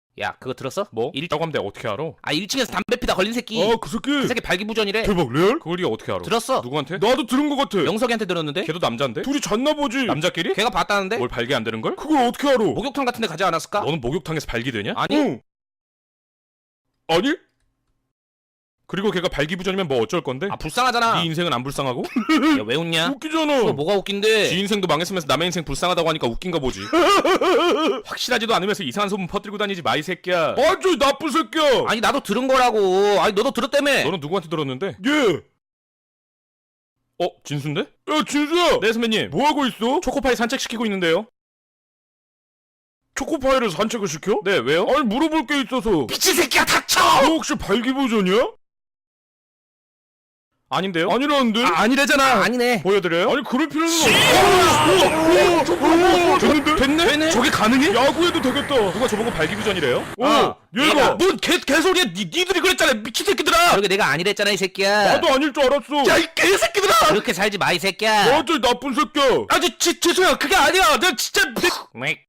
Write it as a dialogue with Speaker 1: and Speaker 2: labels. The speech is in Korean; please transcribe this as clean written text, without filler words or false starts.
Speaker 1: 야, 그거 들었어?
Speaker 2: 뭐?
Speaker 1: 일자고
Speaker 2: 하면 내가 어떻게 알아?
Speaker 1: 1층에서 담배 피다 걸린 새끼.
Speaker 2: 그 새끼.
Speaker 1: 그 새끼 발기부전이래.
Speaker 2: 대박 레알? 그걸 네가 어떻게 알아?
Speaker 1: 들었어.
Speaker 2: 누구한테? 나도 들은 것 같아.
Speaker 1: 명석이한테 들었는데?
Speaker 2: 걔도 남잔데? 둘이 잤나 보지. 남자끼리?
Speaker 1: 걔가 봤다는데?
Speaker 2: 뭘 발기 안 되는 걸? 그걸 어떻게 알아?
Speaker 1: 목욕탕 같은 데 가지 않았을까?
Speaker 2: 너는 목욕탕에서 발기되냐?
Speaker 1: 아니.
Speaker 2: 응. 아니? 그리고 걔가 발기부전이면 뭐 어쩔 건데?
Speaker 1: 불쌍하잖아.
Speaker 2: 네 인생은 안 불쌍하고?
Speaker 1: 야, 왜 웃냐?
Speaker 2: 웃기잖아.
Speaker 1: 그거 뭐가 웃긴데?
Speaker 2: 지 인생도 망했으면서 남의 인생 불쌍하다고 하니까 웃긴가 보지. 확실하지도 않으면서 이상한 소문 퍼뜨리고 다니지 마 이 새끼야. 완전 나쁜 새끼야.
Speaker 1: 아니, 나도 들은 거라고. 아니, 너도 들었다며.
Speaker 2: 너는 누구한테 들었는데? 얘. 진수인데? 야, 진수야. 네, 선배님. 뭐 하고 있어? 초코파이 산책시키고 있는데요. 초코파이를 산책을 시켜? 네, 왜요? 아니, 물어볼 게 있어서.
Speaker 1: 미친 새끼야, 닥쳐!
Speaker 2: 너 혹시 발기부전이야? 아닌데요? 아니라는데?
Speaker 1: 아니래잖아. 아니네.
Speaker 2: 보여드려요? 아니 그럴 필요는 없어. 됐는데?
Speaker 1: 됐네?
Speaker 2: 저게 가능해? 야구해도 되겠다. 누가 저보고 발기부전이래요?
Speaker 1: 얘가. 뭔 개소리야. 니들이 그랬잖아. 미친 새끼들아. 그러게 내가 아니랬잖아, 이 새끼야.
Speaker 2: 나도 아닐 줄 알았어.
Speaker 1: 야, 이 개새끼들아. 그렇게 살지 마, 이 새끼야.
Speaker 2: 완전 나쁜 새끼야.
Speaker 1: 죄송해요. 그게 아니야. 내가 진짜.